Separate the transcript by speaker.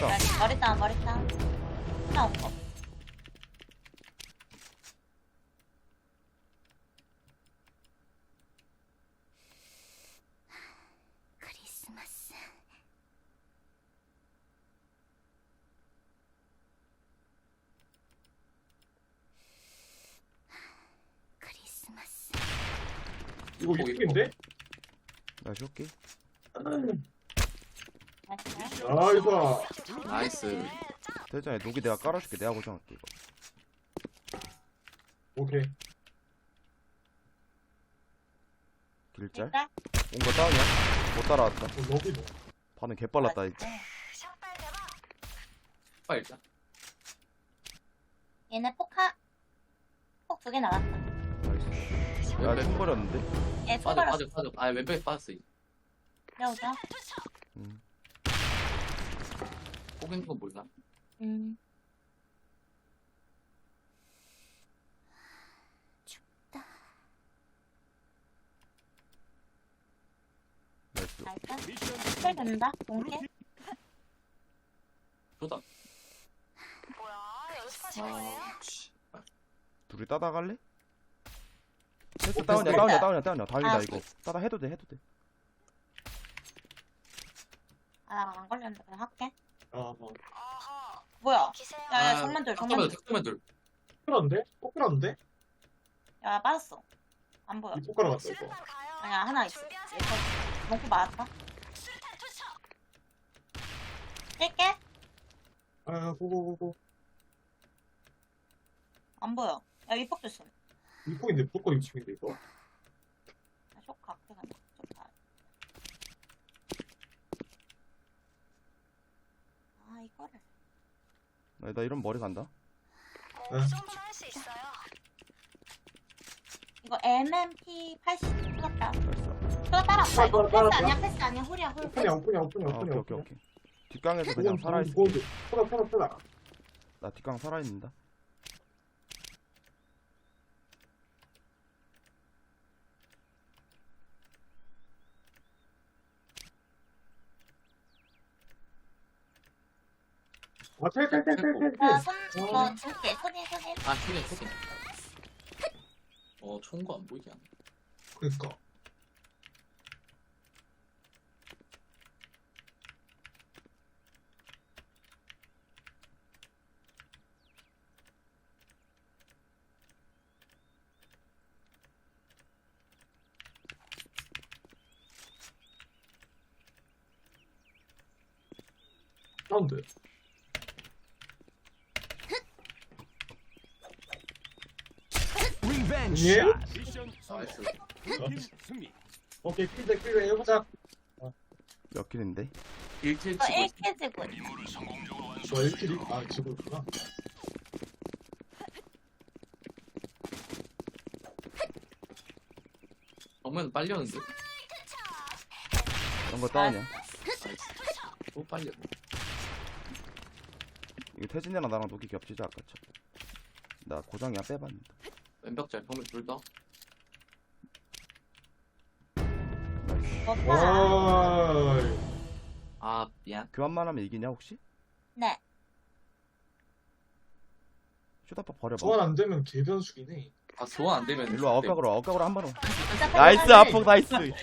Speaker 1: 삐다.
Speaker 2: 머리 다운 하나 없어.
Speaker 3: 크리스마스. 크리스마스.
Speaker 4: 이거 이쪽인데?
Speaker 1: 나 줄게.
Speaker 2: 나이스.
Speaker 4: 아 이거
Speaker 5: 나이스.
Speaker 1: 대장에 녹이 내가 깔아줄게. 내가 고정할게 이거.
Speaker 4: 오케이.
Speaker 1: 길짤.
Speaker 2: 일단
Speaker 1: 온 거 다운이야. 못 따라왔다.
Speaker 4: 너비 뭐.
Speaker 1: 반응 개빨랐다. 이거.
Speaker 5: 빨리 일단.
Speaker 2: 얘네 폭 2개 나갔다.
Speaker 1: 나이스. 야, 총 버렸는데?
Speaker 2: 얘
Speaker 5: 빠져
Speaker 2: 초벌었어.
Speaker 5: 빠져 빠져. 아 왼쪽에 빠졌어.
Speaker 2: 내려오자.
Speaker 5: 꼭 있는 건 몰라.
Speaker 1: 나이스.
Speaker 2: 나이스. 스펠 된다. 동계.
Speaker 5: 좋다.
Speaker 1: 둘이 따다 갈래? 패스 다운이야. 다행이다 이거. 따다 해도 돼.
Speaker 2: 아, 안 걸렸는데 그냥 할게.
Speaker 4: 아 뭐.
Speaker 2: 뭐야? 야야
Speaker 5: 아,
Speaker 2: 정면 둘.
Speaker 5: 탁구면 둘.
Speaker 4: 끌었는데? 꼭 끌었는데?
Speaker 2: 야 빠졌어. 안 보여.
Speaker 4: 이 포카로 갔다 이거.
Speaker 2: 아니야 하나 있어. 얘거 몽구 맞았다. 뛸게.
Speaker 4: 아 고고고고.
Speaker 2: 안 보여. 야 위폭 조심.
Speaker 4: 이 폭인데 무조건 이 폭인데 이거.
Speaker 2: 쇼크 앞에 간다. 좋다. 아 이거를.
Speaker 1: 나 이런 머리 간다.
Speaker 2: 이거 MMP 80 풀었다.
Speaker 1: 나이스.
Speaker 2: 또 따라왔다. 이거
Speaker 4: 따라,
Speaker 2: 패스
Speaker 4: 따라.
Speaker 2: 아니야 패스 아니야 홀이야 홀.
Speaker 4: 오픈이야.
Speaker 1: 오케이. 뒷강에서 그냥 살아있어.
Speaker 4: 편하.
Speaker 1: 나 뒷강 살아있는다.
Speaker 4: 아 텔텔텔텔텔.
Speaker 2: 이거 줄게. 손이.
Speaker 5: 아 초긴. 총거 안 보이게 하네.
Speaker 4: 그니까. 사운드. 예?
Speaker 5: 나이스.
Speaker 4: 오케이 필드 해보자.
Speaker 1: 몇 킬인데?
Speaker 5: 1킬
Speaker 2: 이거
Speaker 5: 치고
Speaker 2: 1킬 지고.
Speaker 4: 저 1킬이? 아 지고 있구나.
Speaker 5: 정면 빨리 오는데?
Speaker 1: 이런 거 다운이야.
Speaker 5: 나이스. 또 빨리 오네.
Speaker 1: 이거 태진이랑 나랑 녹이 겹치지 아까처럼. 나 고정이야 빼봤는데.
Speaker 5: 왼벽잘 정면 둘 다.
Speaker 1: 나이스.
Speaker 4: 와.
Speaker 5: 아 미안.
Speaker 1: 교환만 하면 이기냐 혹시?
Speaker 2: 네.
Speaker 1: 쇼다파 버려봐.
Speaker 4: 소환 안 되면 개변수기네.
Speaker 5: 아 소환 안 되면
Speaker 1: 일로 와. 억각으로 한 번.
Speaker 2: 진짜
Speaker 1: 나이스
Speaker 2: 빨리
Speaker 1: 아폭 나이스.